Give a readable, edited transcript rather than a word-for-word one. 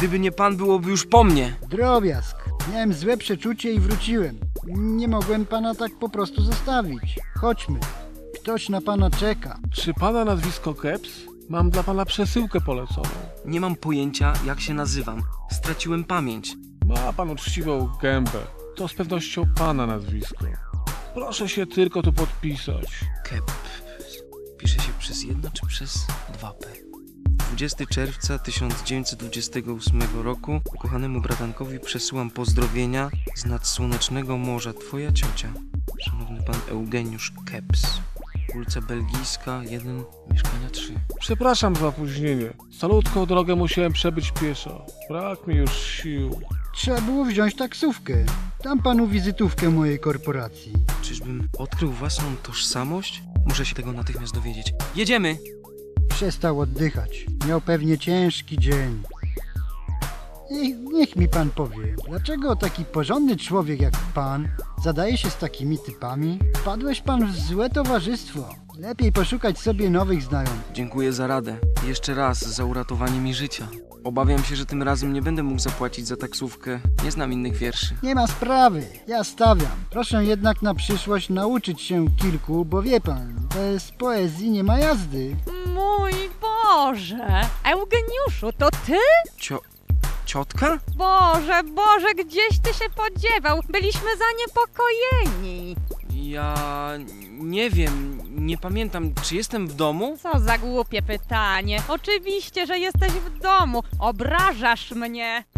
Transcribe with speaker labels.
Speaker 1: Gdyby nie pan, byłoby już po mnie.
Speaker 2: Drobiazg. Miałem złe przeczucie i wróciłem. Nie mogłem pana tak po prostu zostawić. Chodźmy. Ktoś na pana czeka.
Speaker 3: Czy pana nazwisko Keps? Mam dla pana przesyłkę poleconą.
Speaker 1: Nie mam pojęcia, jak się nazywam. Straciłem pamięć.
Speaker 3: Ma pan uczciwą gębę. To z pewnością pana nazwisko. Proszę się tylko tu podpisać.
Speaker 1: Kep. Pisze się przez jedno czy przez 2P? 20 czerwca 1928 roku ukochanemu bratankowi przesyłam pozdrowienia z nadsłonecznego morza. Twoja ciocia. Szanowny pan Eugeniusz Keps. Ulica Belgijska 1, mieszkania 3.
Speaker 3: Przepraszam za opóźnienie. Salutką drogę musiałem przebyć pieszo. Brak mi już sił.
Speaker 2: Trzeba było wziąć taksówkę. Dam panu wizytówkę mojej korporacji.
Speaker 1: Czyżbym odkrył własną tożsamość? Muszę się tego natychmiast dowiedzieć. Jedziemy!
Speaker 2: Przestał oddychać. Miał pewnie ciężki dzień. Niech mi pan powie, dlaczego taki porządny człowiek jak pan zadaje się z takimi typami? Wpadłeś pan w złe towarzystwo. Lepiej poszukać sobie nowych znajomych.
Speaker 1: Dziękuję za radę. Jeszcze raz za uratowanie mi życia. Obawiam się, że tym razem nie będę mógł zapłacić za taksówkę. Nie znam innych wierszy.
Speaker 2: Nie ma sprawy, ja stawiam. Proszę jednak na przyszłość nauczyć się kilku, bo wie pan, bez poezji nie ma jazdy.
Speaker 4: Mój Boże! Eugeniuszu, to ty?
Speaker 1: Ciotka?
Speaker 4: Boże, gdzieś ty się podziewał? Byliśmy zaniepokojeni.
Speaker 1: Ja nie wiem, nie pamiętam, czy jestem w domu?
Speaker 4: Co za głupie pytanie. Oczywiście, że jesteś w domu. Obrażasz mnie.